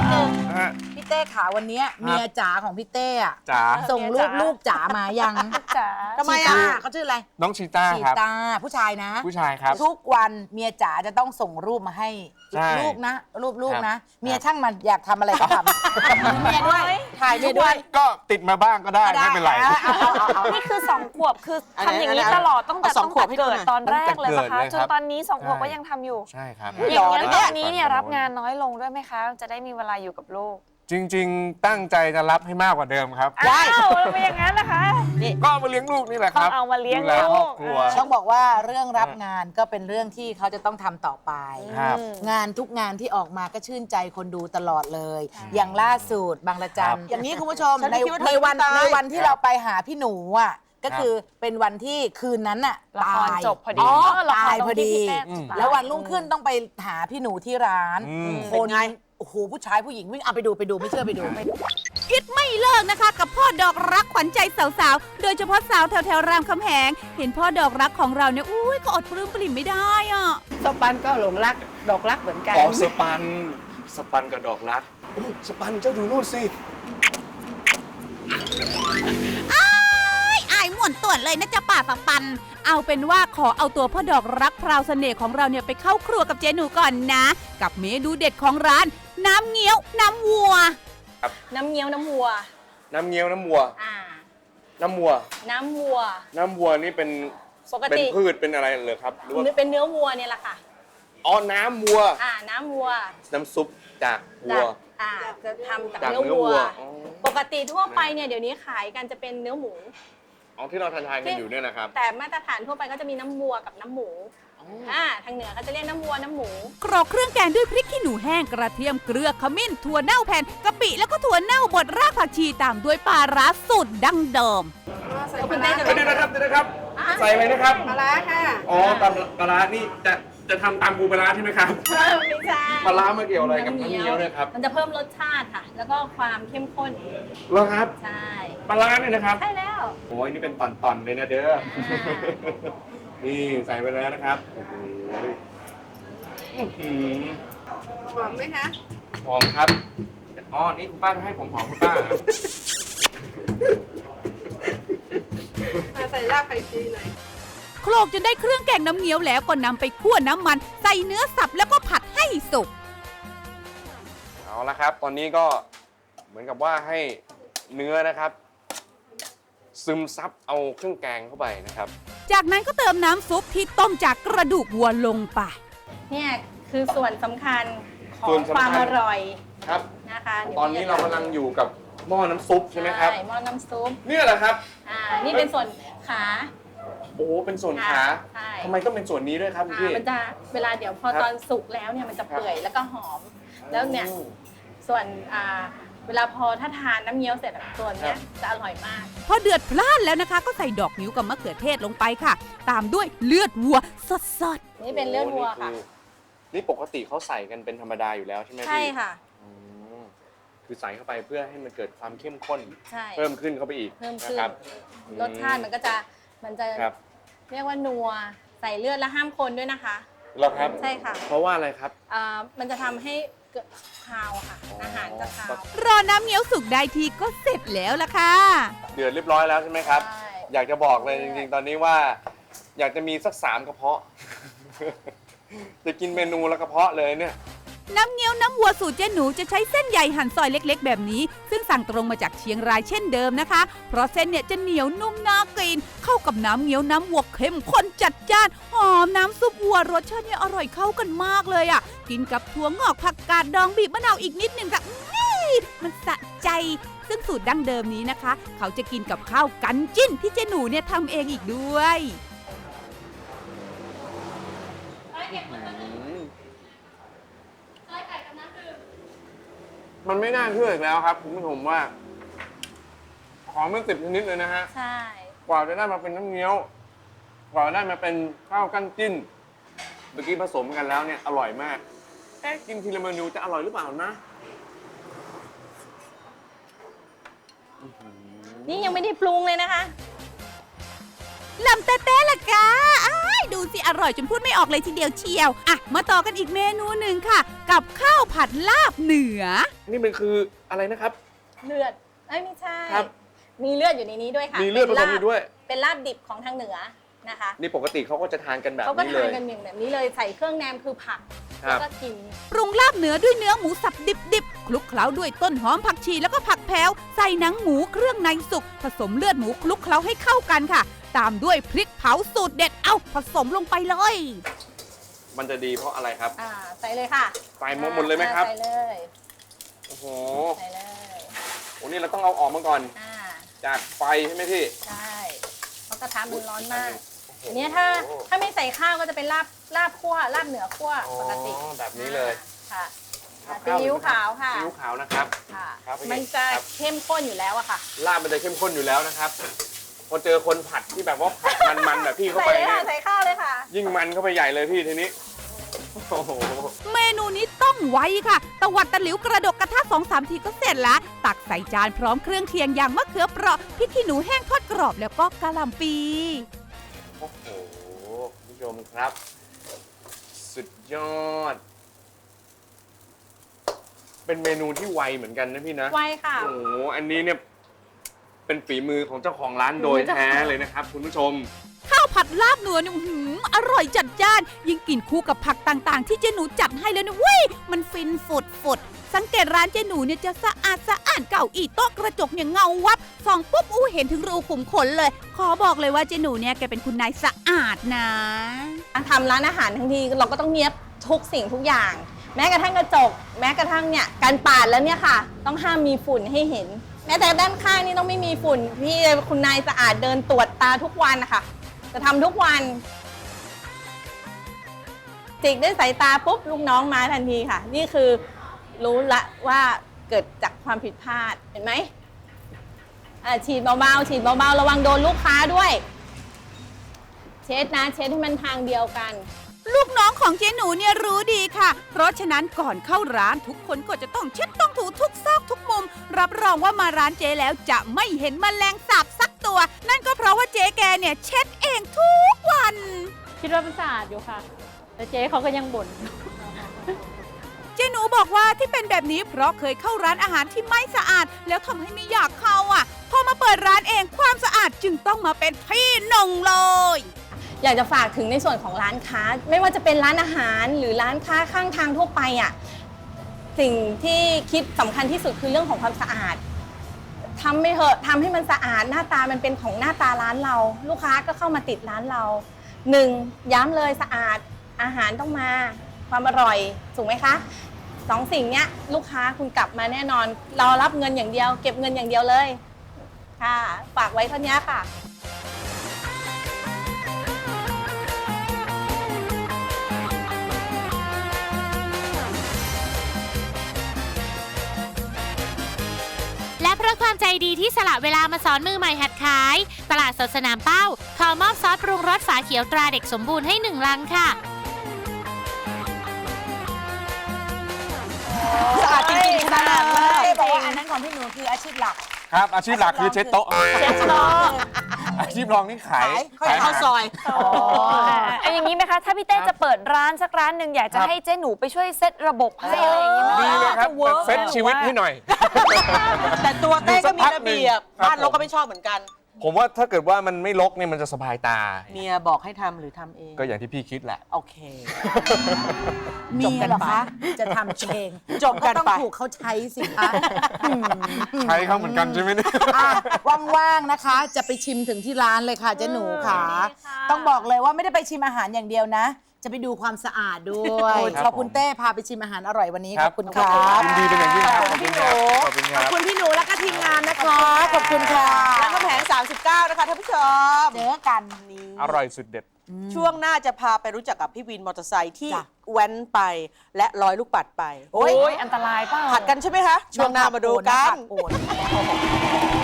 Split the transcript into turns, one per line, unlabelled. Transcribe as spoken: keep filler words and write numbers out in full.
นึงพี่เต้ขาวันนี้เมียจ๋าของพี่เต้อะ
จ๋า
ส่งรูปลูกจ๋ามายัง
จ๋า
ทำไมอ่ะเขาชื่ออะไร
น้องชีต้า
ชี
ครับ
ตาผู้ชายนะ
ผู้ชายครับ
ทุกวันเมียจ๋าจะต้องส่งรูปมาให้
ใช่
ลูกนะ รูปลูก
ครับ
นะ เมียช่างมันอยากทำอะไรก็ทำเมียด้วยถ่ายเมียด้วย
ก็ติดมาบ้างก็ได้ไม่เป็นไร
เอาเอาเอาเอา
นี่คือสองขวบคือทำอย่างนี้ตลอดตั้งแต่
สอ
ตั้
ง
ง
ขว
แต่
บให้ดู
เกิด
หน่อย
ตอนแรกเลยปะ
ตั้งแต่เกิด
คะ
เลย
จ
คน รับ
ตอนนี้สองขวบ
ใช่
ก็ยังทำอยู่
ใช่ครับ
อย่างนี้นตอนนี้เนี่ยรับงานน้อยลงด้วยไหมคะ จะได้มีเวลาอยู่กับลูก
จริง ๆ ตั้งใจจะรับให้มากกว่าเดิมครับ
อ้าวเป็นอย่างนั้นนะคะ
ก็เอามาเลี้ยงลูกนี่แหละครับ
ต้องเอามาเลี้ยง
ดูแล
ลูก
ครอบครัว
ต้องบอกว่าเรื่องรับงานก็เป็นเรื่องที่เขาจะต้องทำต่อไป
ครับ
งานทุกงานที่ออกมาก็ชื่นใจคนดูตลอดเลย อย่างล่าสุดบางระจัน
ครับ
อย่างนี้คุณผู้ชม
ฉัน
ใน
ไม่คิดว่าเธอ
ในวัน
จะตาย
ในวันที่เราไปหาพี่หนูอ่ะก็คือเป็นวันที่คืนนั้นน่ะ
ละคร
ตาย
จบพอดี
อ๋อ
เออละคร
ตาย
ตรง
พอ
ที่
ดี
พี่เต้
อืม
ตาย
แล้ววันรุ่งขึ้นต้องไปหาพี่หนูที่ร้าน
อืม
คนไงโอ้โหผู้ชายผู้หญิงวิ่งเอาไปดูไปดูไม่เชื่อไปดู
คิดไม่เลิกนะคะกับพ่อดอกรักขวัญใจสาวๆ โดยเฉพาะสาวแถวๆรามคำแหง เห็นพ่อดอกรักของเราเนี่ยอุ้ยก็อดปลื้มปริ่มไม่ได้อ่ะ
สปันก็หลงรักดอกรักเหมือนกัน
อ๋อสปัน สปันกับดอกรักโอ้สปันเจ้าดูนู่นสิ
อ้ายอายม่วนต่วนเลยนะจ๊ะป่าสัปัน เอาเป็นว่าขอเอาตัวพ่อดอกรักพราวเสน่ห์ของเราเนี่ยไปเข้าครัวกับเจหนูก่อนนะ กับเมนูเด็ดของร้าน น้ำเงี้ยวน้ำวัว
น้ำเงี้ยวน้ำวัว
น้ำเงี้ยวน้ำวัว
อ่า
น้ำวัว
น้ำวัว
น้ำวัวนี่เป็น
ปก
เป็น
ติ
พืชเป็นอะไรเลยครับหรือว่า
เป็นเนื้อวัวเนี่ยแหละค่ะ
อ๋อน้ำวัว
อ่า น้ำวัว
น้ำซุปจากวัว
อ่า จะทำจาก
จาก
เนื้อ
เนื้อ
วัว
วัวอ๋อ
ปกติทั่วไปเนี่ยเดี๋ยวนี้ขายกันจะเป็นเนื้อหมู
อ๋อที่เราทานทานกันอยู่เนี่ยนะครับ
แต่มาตรฐานทั่วไปก็จะมีน้ำวัวกับน้ำหมู อ่า ทางเหนือก็จะเรียกน้ำวัวน้ำหมู
กรอกเครื่องแกงด้วยพริกขี้หนูแห้งกระเทียมเกลือขมิ้นถั่วเน่าแผ่นกะปิแล้วก็ถั่วเน่าบดรากผักชีตามด้วยปลาร้าสูตรดั้งเดิม
คุณเต้จะ
เดี๋ยวนะครับเดี๋ยวนะครับ ใส่เลยนะครับ
ปลาร้าค่ะ
อ๋อตำปลาร้านี่จะจะทำตามปูปลาร้าใช่ไหมครับ
เพิ่มไม่ใช่
ปลาร้ามาเกี่ยวอะไรกับน้ำเงี้ยวเนี่ยครับ
มันจะเพิ่มรสชาติค่ะ แล้วก็ความเข้มข้น
เหรอครับ
ใช่
ปลาร้าเนี่ยนะครับ
ใช่แล้ว
โอ้ยนี่เป็นตอนๆเลยนะเด้อ นี่ใส่ไปแล้วนะครับโอ้โหอื้อหือ
หอมไหมคะ
หอมครับ อ๋อ นี่คุณป้าจะให้ผมหอมคุณป้าเหรอ
มาใส่รากไข่ชีหน่อย
โคลกจนได้เครื่องแกงน้ำเงี้ยวแล้วก็นำไปคั่วน้ำมัน ใส่เนื้อสับแล้วก็ผัดให้สุก
เอาละครับ ตอนนี้ก็เหมือนกับว่าให้เนื้อนะครับ ซึมซับเอาเครื่องแกงเข้าไปนะครับ
จากนั้นก็เติมน้ำซุปที่ต้มจากกระดูกวัวลงไป
เนี่ยคือส่วนสำคัญขอ
ส่ว
ง
นสำคัญ
ความอร่อย
ครับ
นะคะดี๋ยว
ตอนนี้เรากำลังอยู่กับหม้อน้ำซุปใช่ไหมครับ
ใช่หม้อน้ำซุป
เนี่ยแหละครับ
อ่า นี่เป็นส่วนขา
โอ้โหเป็นส่วนขา
ใช่
ทำไมต้องเป็นส่วนนี้ด้วยครับคุณ
อ่า
พี่
มันจะเวลาเดี๋ยวพอ
ครับ
ตอนสุกแล้วเนี่ยมันจะเปื่อยแล้วก็หอม แล้วเนี่ย
โอ้
ส่วนอ่าเวลาพอถ้าทานน้ำเงี้ยวเสร็จอะส่วนเนี้ย
ครับ
จะอร่อยมาก
พอเดือดพล่านแล้วนะคะ ก็ใส่ดอกนิ้วกับมะเขือเทศลงไปค่ะ ตามด้วยเลือดวัวสด
นี่เป็นเลือดวัวค่ะ
โอ้นี่คือนี่ปกติเขาใส่กันเป็นธรรมดาอยู่แล้วใช่ไหมพี่
ใช่ค่ะ
อืมคือใส่เข้าไปเพื่อให้มันเกิดความเข้มข้น
ใช่
เพิ่มขึ้นเข้าไปอีก
เพิ่ม
นะ
ขึ้น
ครับ
รสชาติมันก็จะมันจะ
ครับ
เรียกว่านัวใส่เลือดแล้วห้ามคนด้วยนะคะ
เหรอครับ
ใช่ค่ะ
เพราะว่าอะไรครับ
อ่ามันจะทำให้เกิดคาวอะค่ะ
อ๋ออ
อาหารจะคาว
ๆ รอน้ำเงี้ยวสุกได้ทีก็เสร็จแล้วล่ะค่ะ
เดือดเรียบร้อยแล้วใช่ไหมครับ
ใช่
อยากจะบอกเลยจริงๆ ตอนนี้ว่า อยากจะมีสักสามกระเพาะ จะกินเมนูละกระเพาะเลยเนี่ย
น้ำเงี้ยวน้ำวัวสูตรเจ๊หนูจะใช้เส้นใยหั่นซอยเล็กๆ แบบนี้ ซึ่งสั่งตรงมาจากเชียงรายเช่นเดิมนะคะ เพราะเส้นเนี่ยจะเหนียวนุ่มน่ากินเข้ากับน้ำเงี้ยวน้ำวัวเข้มข้นจัดจ้านหอมน้ำซุปวัวรสชาติเนี่ยอร่อยเข้ากันมากเลยอ่ะกินกับถั่วงอกผักกาดดองบีบมะนาวอีกนิดหนึ่งค่ะอื้อมันสะใจ ซึ่งสูตรดั้งเดิมนี้นะคะ เขาจะกินกับข้าวกันจิ้นที่เจ๊หนูเนี่ยทำเองอีกด้วย
มันไม่น่าเชื่ออีกแล้วครับคุณผู้ชมว่าของมันสิบชนิดเลยนะฮะ
ใช่
กว่าจะได้มาเป็นน้ำเงี้ยว กว่าจะได้มาเป็นข้าวกั้นจิ้น เมื่อกี้ผสมกันแล้วเนี่ยอร่อยมากเอ๊ะกินทีละเมนูจะอร่อยหรือเปล่านะ
นี่ยังไม่ได้ปรุงเลยนะคะ
ลำเต้เต้ละกาอ้ายดูสิอร่อยจนพูดไม่ออกเลยทีเดียวเชียวอ่ะมาต่อกันอีกเมนูหนึ่งค่ะ กับข้าวผัดลาบเหนือ
นี่มันคืออะไรนะครับ
เลือดเอ้ยไม่ใช่
ครับ
มีเลือดอยู่ในนี้ด้วยค่ะ
มีเลือดผสมอยู่ด้วย
เป็นลาบดิบของทางเหนือนะคะ
นี่ปกติเขาก็จะทานกันแบบ
เขาก็
นี้เล
ทาน
ย
กันอย่างแบบนี้เลยใส่เครื่องแนมคือผัก
ครั
แล้ว
บ
ก็กิน
ปรุงลาบเหนือด้วยเนื้อหมูสับดิบๆ คลุกเคล้าด้วยต้นหอมผักชีแล้วก็ผักแพ้ว ใส่หนังหมูเครื่องในสุก ผสมเลือดหมูคลุกเคล้าให้เข้ากันค่ะ ตามด้วยพริกเผาสูตรเด็ด เอาผสมลงไปเลย
มันจะดีเพราะอะไรครับ
อ่าใส่เลยค่ะ
ใส่หมดหมดเลยไหมครับ
ใส่เลย
โอ้โห
ใส่เลย
โอ้นี่เราต้องเอาออกมาก่อน
อ่า
จากไฟใช่ไหมพี่
ใช่เพราะกระทะมันร้อนมาก
โอ้โห
อันเนี้ยถ้าถ้าไม่ใส่ข้าวก็จะเป็นลาบลาบคั่วลาบเหนือคั่ว
อ๋อ
ปกติ
แบบนี้เลย
ค่ะ
ครับ
ซีอิ๊วขาวค่ะ
ซีอิ๊วขาวนะครับ
ค่ะ
ครับเป็นไง
มันจะ
ครับ
เข้มข้นอยู่แล้วอะค่ะ
ลาบมันจะเข้มข้นอยู่แล้วนะครับ พอเจอคนผัดที่แบบว่าผัดมันๆแบบพี่เข้า
ใส่
ไป
เลย
เนี่
ค่ะ
ย
ใส่ข้าวเลยค่ะ
ยิ่งมันเข้าไปใหญ่เลยพี่ทีนี้ โอ้โห
เมนูนี้ต้องไว้ค่ะ ตวัดตะหลิวกระดกกระทะสองสามทีก็เสร็จแล้ว ตักใส่จานพร้อมเครื่องเคียงอย่างมะเขือเปราะพริกขี้หนูแห้งทอดกรอบแล้วก็กะหล่ำปี
โอ้โหคุณผู้ชมครับ สุดยอด เป็นเมนูที่ไวเหมือนกันนะพี่นะ
ไวค่ะ
โอ้โห อันนี้เนี่ยเป็นฝีมือของเจ้าของร้านโดยแท้เลยนะครับ คุณผู้ชม
ข้าวผัดลาบเนื้อเนี่ยอื้อหืออร่อยจัดจ้าน ยิ่งกินคู่กับผักต่างๆ ที่เจหนูจัดให้แล้วเนี่ยเว้ยมันฟินฝุดฝุดสังเกตร้านเจหนูเนี่ยจะสะอาดสะอาดเก่าอีโต๊ะกระจกเนี่ยเงาวับส่องปุ๊บอู้เห็นถึงรูขุมขนเลย ขอบอกเลยว่าเจหนูเนี่ยแกเป็นคุณนายสะอาดนะ
ทำร้านอาหารทั้งทีเราก็ต้องเนียบทุกสิ่งทุกอย่าง แม้กระทั่งกระจก แม้กระทั่งเนี่ยการปาดแล้วเนี่ยค่ะ ต้องห้ามมีฝุ่นให้เห็น แม้แต่ด้านข้างนี่ต้องไม่มีฝุ่นพี่คุณนายสะอาดเดินตรวจตาทุกวันนะคะจะทำทุกวันจิกด้วยสายตาปุ๊บลูกน้องมาทันทีค่ะ นี่คือรู้ละว่าเกิดจากความผิดพลาดเห็นไหมอ่าฉีดเบาๆฉีดเบาๆระวังโดนลูกค้าด้วย เช็ดนะเช็ดให้มันทางเดียวกัน
ลูกน้องของเจหนูเนี่ยรู้ดีค่ะ เพราะฉะนั้นก่อนเข้าร้านทุกคนก็จะต้องเช็ดต้องถูทุกซอกทุกมุม รับรองว่ามาร้านเจแล้วจะไม่เห็นแมลงสาบสักตัว นั่นก็เพราะว่าเจ๊แกเนี่ยเช็ดเองทุกวัน
คิดว่ามันสะอาดอยู่ค่ะ แต่เจ๊เขาก็ยังบ่น
เจหนูบอกว่าที่เป็นแบบนี้เพราะเคยเข้าร้านอาหารที่ไม่สะอาด แล้วทำให้ไม่อยากเข้าอ่ะ พอมาเปิดร้านเองความสะอาดจึงต้องมาเป็นที่หนึ่งเลย
อยากจะฝากถึงในส่วนของร้านค้า ไม่ว่าจะเป็นร้านอาหารหรือร้านค้าข้างทางทั่วไปอ่ะสิ่งที่คิดสำคัญที่สุดคือเรื่องของความสะอาดทำไม่เถอะทำให้มันสะอาดหน้าตามันเป็นของหน้าตาร้านเรา ลูกค้าก็เข้ามาติดร้านเราหนึ่งย้ำเลยสะอาดอาหารต้องมาความอร่อยถูกไหมคะสองสิ่งเนี้ยลูกค้าคุณกลับมาแน่นอนเรารับเงินอย่างเดียว เก็บเงินอย่างเดียวเลยค่ะฝากไว้เท่านี้ค่ะ
และเพราะความใจดีที่สละเวลามาสอนมือใหม่หัดขาย ตลาดสดสนามเป้าขอมอบซอสปรุงรสฝาเขียวตราเด็กสมบูรณ์ให้หนึ่งลังค่ะ
สะอาดจริงๆขนาดนั้นเลยบอกว่าอันนั้นของพี่หนูคืออาชีพหลัก
ครับ อาชีพหลักคือเช็ดโต๊ะ
เช็ดโต๊ะ
อาชีพรองนี่ขาย
ขายข้าวซอย
เอาอย่างนี้ไหมคะ ถ้าพี่เต้จะเปิดร้านสักร้านหนึ่งอยากจะให้เจ๊หนูไปช่วยเซตระบบให้อะไรอย่างนี้ไหม
ดีเลยครับ
จะวิร์ก
เซ็ตชีวิตให้หน่อย
แต่ตัวเต้ก็มีระเบียบ
ครับ
บ้านเราก็ไม่ชอบเหมือนกัน
ผมว่าถ้าเกิดว่ามันไม่รกเนี่ยมันจะสบายตา
เมียบอกให้ทำหรือทำเอง
ก็อย่างที่พี่คิดแหละ
โอเค
มีเหรอคะ จะทำเอง
จบกันไป
ต้องถูกเขาใช้สิคะ
ใช้เขาเหมือนกันใช่ไหมเนี่ย
อ่ะว่างๆนะคะ จะไปชิมถึงที่ร้านเลยค่ะเจ๊หนูค่ะ ต้องบอกเลยว่าไม่ได้ไปชิมอาหารอย่างเดียวนะ จะไปดูความสะอาดด้วย
ครับ
ขอบคุณเต้พาไปชิมอาหารอร่อยวันนี้
ค
ข
รั
อบคุณครับ
ยินดีเป็นอย่างยิ่งครับ
ขอบคุณพี่หนู
ขอบคุณค
ข
รั
อบบ คุณพี่หนูและก็ทีมงานนะคะ
ขอบคุณค่ะ
รามคำแหงสามสิบเก้านะคะท่านผู้ชม
เจอกัน
นี่
อร่อยสุดเด็ด
ช่วงหน้าจะพาไปรู้จักกับพี่วินมอเตอร์ไซค์ที่
จ้ะ
แว้นไปและร้อยลูกปัดไป
โอ้ยอันตรายเปล่า
ผัดกันใช่ไหมคะ ช่วงหน้ามาดูกัน
โอน